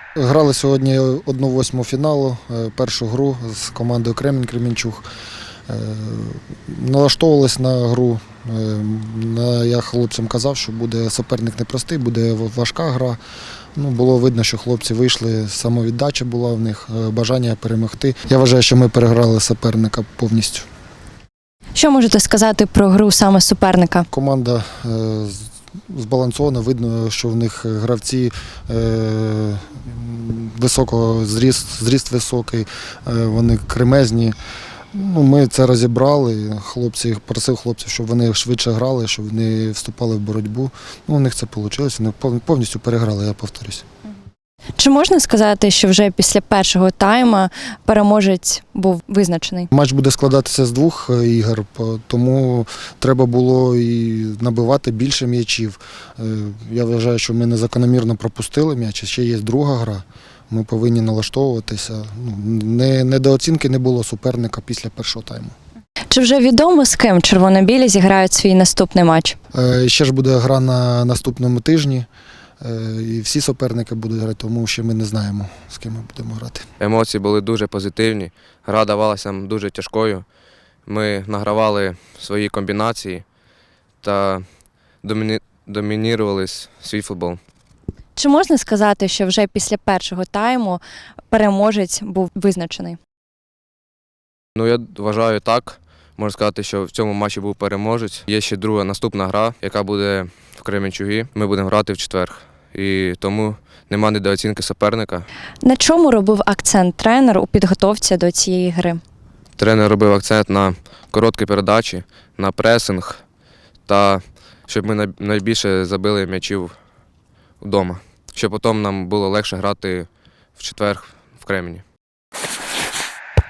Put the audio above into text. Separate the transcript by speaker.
Speaker 1: Грали сьогодні 1/8 фіналу, першу гру з командою Кремінь-Кремінчуг. Налаштовувались на гру. Я хлопцям казав, що буде суперник непростий, буде важка гра. Було видно, що хлопці вийшли, самовіддача була в них, бажання перемогти. Я вважаю, що ми переграли суперника повністю.
Speaker 2: Що можете сказати про гру саме суперника?
Speaker 1: Команда збалансована, видно, що в них гравці високого зріст високий, вони кремезні. Ми це розібрали. Просив хлопців, щоб вони швидше грали, щоб вони вступали в боротьбу. У них це вийшло, вони повністю переграли, я повторюсь.
Speaker 2: Чи можна сказати, що вже після першого тайму переможець був визначений?
Speaker 1: Матч буде складатися з 2 ігор, тому треба було і набивати більше м'ячів. Я вважаю, що ми незакономірно пропустили м'яч, ще є друга гра. Ми повинні налаштовуватися. Недооцінки не було суперника після першого тайму.
Speaker 2: Чи вже відомо, з ким червоно-білі зіграють свій наступний матч?
Speaker 1: Ще ж буде гра на наступному тижні. І всі суперники будуть грати, тому що ми не знаємо, з ким ми будемо грати.
Speaker 3: Емоції були дуже позитивні, гра давалася нам дуже тяжкою. Ми награвали свої комбінації та домінірували свій футбол.
Speaker 2: Чи можна сказати, що вже після першого тайму переможець був визначений?
Speaker 3: Я вважаю так. Можна сказати, що в цьому матчі був переможець. Є ще друга наступна гра, яка буде в Кременчугі. Ми будемо грати в четвер. І тому нема недооцінки суперника.
Speaker 2: На чому робив акцент тренер у підготовці до цієї гри?
Speaker 3: Тренер робив акцент на короткі передачі, на пресинг та щоб ми найбільше забили м'ячів вдома. Щоб потім нам було легше грати в четвер в Кремені.